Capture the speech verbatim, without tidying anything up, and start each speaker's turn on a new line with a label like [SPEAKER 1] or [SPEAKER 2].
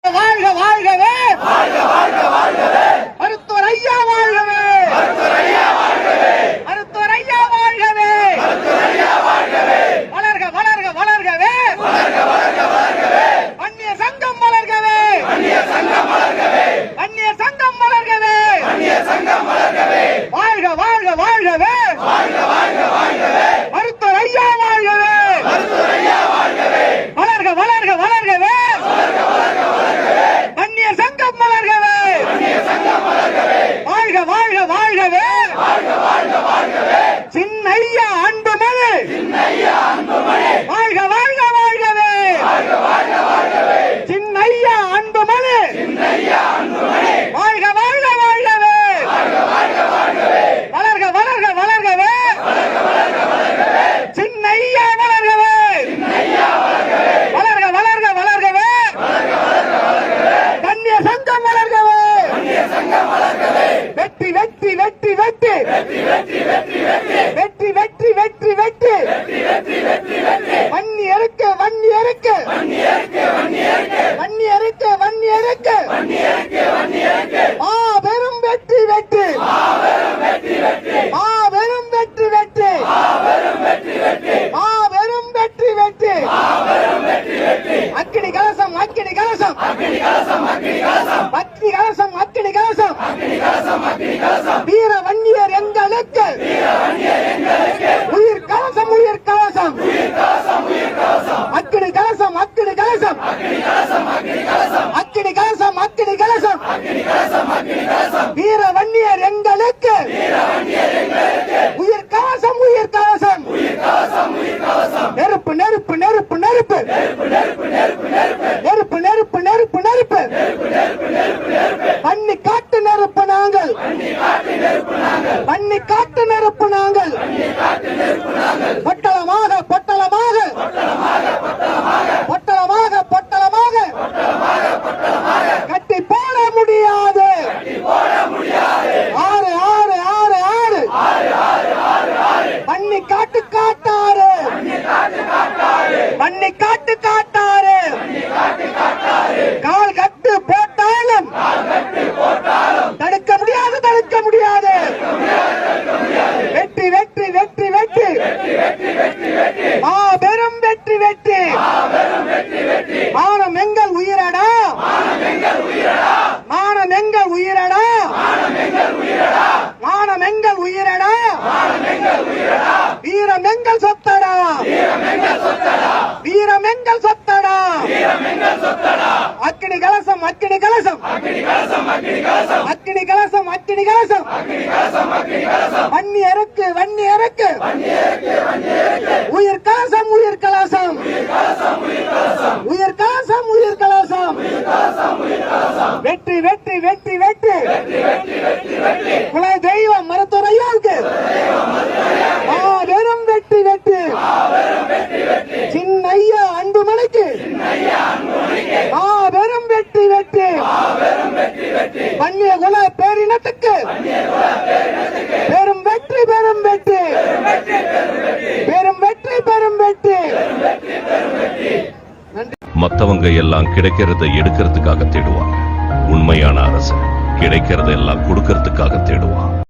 [SPEAKER 1] வாழ்க வாழ்கவே மருத்துவர் ஐயா வாழ்கவே மருத்துவர் ஐயா வாழ்கவே வளர்க வளர்க வளர்கவே வன்னிய சங்கம் வளர்கவே வன்னிய சங்கம் வளர்கவே வாழ்க வாழ்க வாழ்கவே மருத்துவர் ஐயா வாழ்கவே வளர்க வளர்க வளர்கவே வன்னிய சங்கம் வளர்கவே வாழ்க வாழ்க வாழ்கவே சின்னையா அன்புமணி வாழ்க வாழ்க வாழ்கவே சின்னையா அன்புமணி வாழ்க வாழ்க வாழ்கவே வளர்க வளர்க வளர்கவே சின்னையா வளர்கவே வளர்க வளர்க வளர்கவே வன்னிய சங்கம் வளர்கவே வெற்றி வெற்றி வெற்றி வெற்றி வெற்றி வெற்றி வெற்றி வெற்றி வன்னி அறுக்க வன்னி அறுக்க வன்னி அறுக்க வன்னி அறுக்க மாபெரும் வெற்றி வெற்றி மாபெரும் வெற்றி வெற்றி மாபெரும் வெற்றி வெற்றி அக்கினி கலசம் அக்கினி கலசம் அக்கினி கலசம் அக்கினி கலசம் வீர வன்னியர் எங்களுக்கு உயிர் கலசம் உயிர் கலசம் அக்கினி கலசம் அக்கினி கலசம் அக்கினி கலசம் அக்கினி கலசம் வீர வன்னியர் எங்களுக்கு உயிர் கலசம் உயிர் கலசம் நெருப்பு நெருப்பு நெருப்பு நெருப்பு நெருப்பு நெருப்பு நெருப்பு நெருப்பு பண்ணி காட்டு நெருப்பு நாங்கள் பண்ணி காட்டு நெருப்பு நாங்கள் பொட்டலமாக பொட்டலமாக பொட்டலமாக பொட்டலமாக கட்டி போட முடியாது ஆறு ஆறு ஆறு ஆறு பண்ணி காட்டு காட்டாறு பண்ணி காட்டு காட்டாறு கால் கட்டு போட்டாலும் தடுக்க முடியாது தடுக்க முடியாது வெற்றி வெற்றி வெற்றி வெற்றி மாபெரும் வெற்றி வெற்றி மானம் எங்கள் உயிரடா மானம் எங்கள் உயிரடா மானம் எங்கள் உயிரடா வீரம் எங்கள் சொத்தடா வீரம் எங்கள் சொத்தடா அக்கினி கலசம் அக்கினி கலசம் அக்கினி கலசம் அக்கினி கலசம் வன்னி அறுக்கு வன்னி அறுக்கு உயிர் கலசம் உயிர் கலசம் உயிர் கலசம் உயிர் கலசம் வெற்றி வெற்றி வெற்றி வெற்றி குல தெய்வம் மருத்துவர் ஐயாவுக்கு மாபெரும் வெற்றி வெற்றி சின்னையா அன்புமணிக்கு மாபெரும் வெற்றி வெற்றி வன்னிய குல பேரினத்துக்கு பெரும் வெற்றி பெரும் வெற்றி பெரும் வெற்றி பெரும் வெற்றி
[SPEAKER 2] மத்தவங்க எல்லாம் கிடைக்கிறத எடுக்கிறதுக்காக தேடுவாங்க. உண்மையான அரசு கிடைக்கிறத எல்லாம் கொடுக்கறதுக்காக தேடுவான்.